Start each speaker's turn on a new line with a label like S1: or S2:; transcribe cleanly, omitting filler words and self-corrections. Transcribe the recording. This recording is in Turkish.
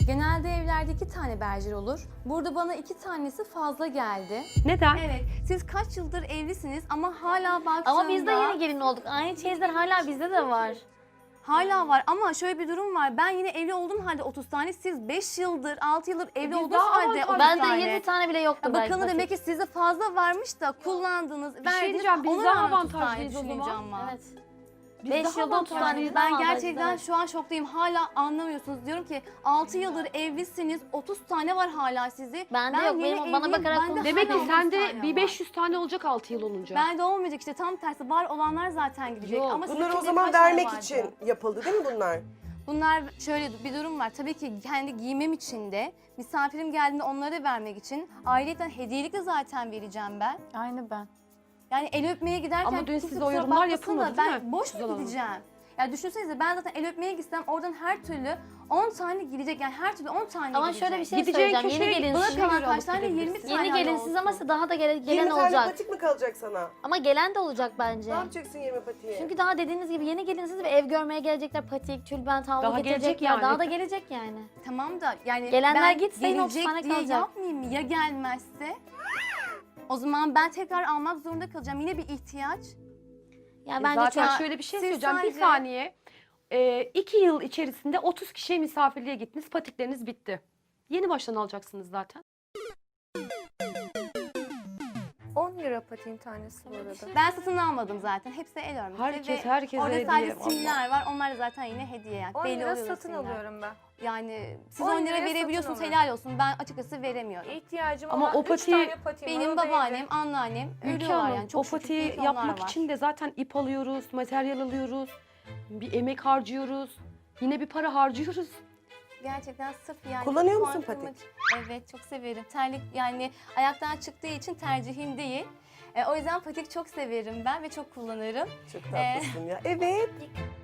S1: Genelde evlerde 2 tane berjer olur. Burada bana 2 tanesi fazla geldi.
S2: Neden?
S1: Evet, siz kaç yıldır evlisiniz ama hala baktığımda...
S3: Ama biz de yeni gelin olduk. Aynı çeyizler hala bizde de var.
S1: Hala var ama şöyle bir durum var. Ben yine evli olduğum halde 30 tane, siz 5 yıldır, 6 yıldır evli
S2: Biz
S1: olduğunuz
S2: daha
S1: halde
S2: avantajlı.
S1: 30
S3: Ben de
S1: tane.
S3: 20 tane bile yoktu belki.
S1: Bakın
S3: patik.
S1: demek ki sizde fazla varmış da kullandınız,
S2: şey
S1: verdiniz.
S2: diyeceğim, biz
S1: ona
S2: daha
S1: rağmen 30 tane
S2: avantajlıyız o zaman.
S1: düşüneceğim var.
S3: Evet.
S2: Biz
S3: 5
S2: daha
S3: yılda 30 tane
S2: avantajlıyız.
S3: bizden
S1: Ben
S3: avantajlıyız,
S1: gerçekten
S3: evet.
S1: şu an şoktayım. Hala anlamıyorsunuz. Diyorum ki 6 yıldır evlisiniz, 30 tane var hala sizi.
S3: Bende yok,
S1: yeni
S3: benim- bana
S1: evliyim,
S3: bakarak
S1: bende
S3: konuş.
S2: Demek
S1: hala
S2: ki
S1: 30
S2: sende
S1: tane
S2: bir
S1: var.
S2: 500 tane olacak 6 yıl olunca.
S1: Bende olmayacak işte, tam tersi var olanlar zaten gidecek.
S2: Yok.
S1: Ama sizin
S4: Bunları o
S1: de
S4: zaman
S1: kaç tane
S4: vermek
S1: vardı?
S4: için yapıldı değil mi bunlar?
S1: Bunlar şöyle bir durum var. Tabii ki kendi giymem için de, misafirim geldiğinde onlara da vermek için. Ayrıca hediyelik de zaten vereceğim ben.
S3: Aynı ben.
S1: Yani el öpmeye giderken
S2: Ama dün
S1: kimse
S2: size o
S1: kusura
S2: yorumlar
S1: bakmasın da
S2: yapılmadı, değil
S1: ben
S2: mi?
S1: boş
S2: Güzel
S1: mu
S2: Hanım.
S1: gideceğim? Ya düşünsenize, ben zaten el öpmeye gitsem oradan her türlü 10 tane gidecek. Yani her türlü 10 tane
S3: Ama
S1: gidecek.
S3: şöyle bir şey
S2: Gideceğin
S3: söyleyeceğim. Yeni
S2: köşeye
S1: Bana
S3: gelinsiz.
S1: kalan
S2: göre
S1: kaç
S2: alıp
S1: tane? 20
S2: gidebilirsin.
S1: tane
S3: Yeni gelinsiz ama daha da gelen
S4: 20 tane
S3: olacak.
S4: patik mi kalacak sana?
S3: Ama gelen de olacak bence.
S4: Ne yapacaksın 20 patiği?
S3: Çünkü daha dediğiniz gibi yeni gelinsiz ve ev görmeye gelecekler. Patik, tülbent, havlu
S2: Daha
S3: getirecekler.
S2: gelecek yani.
S3: Daha da gelecek yani.
S1: Tamam da yani
S3: Gelenler
S1: ben
S3: gitse yine 30
S1: gelecek
S3: tane
S1: diye
S3: kalacak.
S1: yapmayayım mı? Ya gelmezse? O zaman ben tekrar almak zorunda kalacağım. Yine bir ihtiyaç.
S3: Yani bence
S2: Zaten
S3: çok...
S2: şöyle bir şey
S1: siz
S2: söyleyeceğim. Bir
S1: sadece-
S2: saniye. 2 yıl içerisinde 30 kişiye misafirliğe gittiniz. Patikleriniz bitti. Yeni baştan alacaksınız zaten.
S5: 10 lira patiğin tanesi bu arada.
S1: Ben satın almadım zaten. Hepsi el örmesi.
S2: Herkes
S1: ve
S2: herkese
S1: orada
S2: hediye.
S1: sadece
S2: Vallahi.
S1: simler var. Onlar da zaten yine hediye yani.
S5: 10
S1: Belli
S5: lira
S1: oluyor
S5: satın
S1: simler.
S5: alıyorum ben.
S1: Yani siz
S5: 10
S1: 10 lira
S5: liraya
S1: verebiliyorsunuz,
S5: satın
S1: helal olsun. Ben açıkçası veremiyorum.
S5: İhtiyacım
S2: Ama
S5: olan
S2: o
S5: 3
S2: patiği-
S5: tane patiğim var.
S1: Benim
S5: o da
S1: babaannem,
S5: evde.
S1: anneannem
S2: Ülke
S1: ölüyorlar
S2: Hanım,
S1: yani. Çok
S2: o
S1: şükür
S2: patiği
S1: ki onlar
S2: yapmak
S1: var.
S2: için de zaten ip alıyoruz, materyal alıyoruz, bir emek harcıyoruz, yine bir para harcıyoruz.
S1: Gerçekten sırf yani.
S4: Kullanıyor musun
S1: kuantum-
S4: patik?
S1: Evet, çok severim. Terlik yani ayaktan çıktığı için tercihim değil. O yüzden patik çok severim ben ve çok kullanırım.
S4: Çok tatlısın ya. Evet.